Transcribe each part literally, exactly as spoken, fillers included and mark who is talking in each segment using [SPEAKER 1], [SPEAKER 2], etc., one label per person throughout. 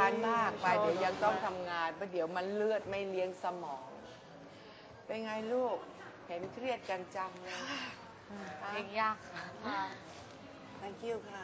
[SPEAKER 1] การมากไปเดี๋ยวยังต้องทำงานเพราะเดี๋ยวมันเลือดไม่เลี้ยงสมอง เป็นไงลูก เห็นเครียดกันจังเลย
[SPEAKER 2] เพลงยากค่ะ
[SPEAKER 1] thank you ค่ะ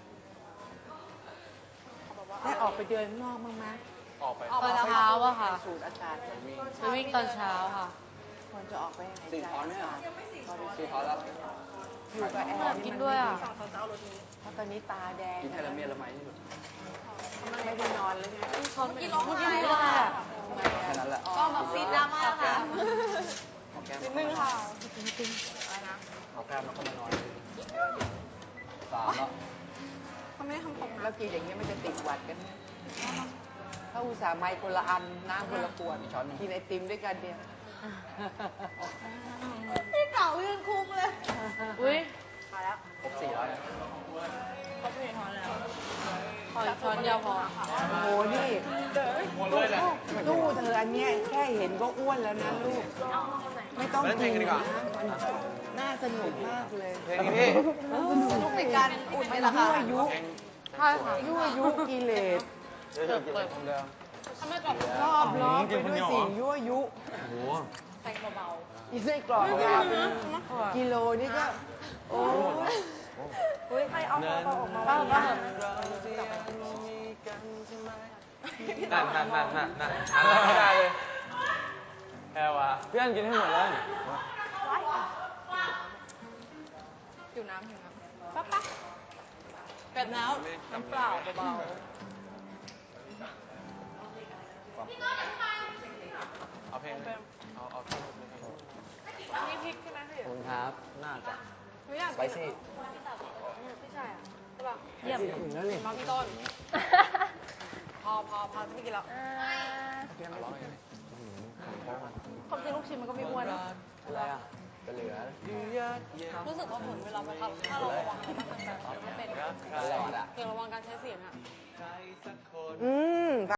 [SPEAKER 1] ได้ออกไปเดินข้างนอกบ้างไหม
[SPEAKER 3] ออกไป
[SPEAKER 2] ตอนเช้าอะค่ะ
[SPEAKER 1] สูดอากาศ
[SPEAKER 2] ไปวิ่งตอนเช้าค่ะ
[SPEAKER 1] ควรจะออกไปหาย
[SPEAKER 3] สี่
[SPEAKER 1] ใจ
[SPEAKER 3] ท้อนไหม
[SPEAKER 1] อา
[SPEAKER 3] อ่ะ
[SPEAKER 1] กาศ
[SPEAKER 3] สี่ท้อนแล้ว
[SPEAKER 1] อยู่กับแอ
[SPEAKER 2] อยาก
[SPEAKER 1] ร์
[SPEAKER 2] กิ
[SPEAKER 1] นี่
[SPEAKER 2] น
[SPEAKER 1] มัน
[SPEAKER 2] ด้วย
[SPEAKER 1] ไม่
[SPEAKER 2] อะ
[SPEAKER 1] ดีเพราะตอนนี้ตาแดง
[SPEAKER 3] กินแคลเมียละไมที่สุด
[SPEAKER 1] ไม่ได้นอนเลยไง
[SPEAKER 2] เขากินร้องไห้เลยอะ
[SPEAKER 3] แค่นั้นแหละ
[SPEAKER 2] ก็แบบซีดดราม่าค่ะ
[SPEAKER 3] เอาแก้ม
[SPEAKER 2] นิดนึงค่ะ
[SPEAKER 3] เอาแก้มแล้วก็มานอนสามแล้ว
[SPEAKER 1] แล้วกินอย่างนี้ยมันจะติดหวัดกันนะถ้าอุตส่าห์ไมค์คนละอันน้ำคนละขวดกินไอติมด้วยกันเดียว
[SPEAKER 2] พี่เก่ายืนคุมเลย อุ้ย
[SPEAKER 3] ครบสี่แล้วนะ
[SPEAKER 2] ขออีกช้อนเดียวพอ
[SPEAKER 1] โอ้โหนี่ตู้เธออันเนี้ยแค่เห็นก็อ้วนแล้วนะลูก ไม่ต้องกินนะมันน่าสนุกมากเลย
[SPEAKER 3] เพลงนี้พี่
[SPEAKER 2] สนุกในการอุ่นไหมล่ะคะ
[SPEAKER 1] ยั่วยุ
[SPEAKER 2] ใช่ค่ะ
[SPEAKER 1] ยั่วยุกิเลส
[SPEAKER 3] เดี๋ยวกินเลยคนเดิม
[SPEAKER 1] รอบล้อมไปด้วยสิ่งยั่วยุ
[SPEAKER 3] โอ้โห
[SPEAKER 2] ใส่เบา
[SPEAKER 1] อีไส้กรอกยาวเป็นกิโลนี่ก็ โอ้ย
[SPEAKER 2] อุ้ยใครเอาคอออกมาบ้างบ้าง
[SPEAKER 3] นั่นนั่นนั่นนั่นนั่นนั่นไม่ได้เลยแพรวะเพื่อนกินให้หมดเลย
[SPEAKER 2] หิวน้ำหิวน้ำป๊ะป๊ะเป็ดแล้วน้ำเปล่าเบา
[SPEAKER 3] เอาเพลงเอาเอาเพลง
[SPEAKER 2] ๆนี่พริกใช่ไหมพี่
[SPEAKER 3] ขอบคุณครับ น่าจะ
[SPEAKER 2] ไม่อยาก
[SPEAKER 3] สไปซี่
[SPEAKER 2] ไม่ใช่อ่ะใช่ป่ะเยี่ยม
[SPEAKER 3] ถึงแล้วนี่
[SPEAKER 2] มาพี่ต้น พอพอพอไม่กินแล้ว
[SPEAKER 3] เพลงร้องยังไง
[SPEAKER 2] ความจริงลูกชิ้นมันก็ไม่อ้วนนะ
[SPEAKER 3] อะไรอ่ะจะเหลือ
[SPEAKER 2] รู้สึกว่าเหมือนเวลาไปทำถ้าเราระวังมันแบบไม่เป็น
[SPEAKER 3] ตลอดอ่ะ
[SPEAKER 2] เกี่ยวระวังการใช้เสียงอ่ะ
[SPEAKER 1] อืม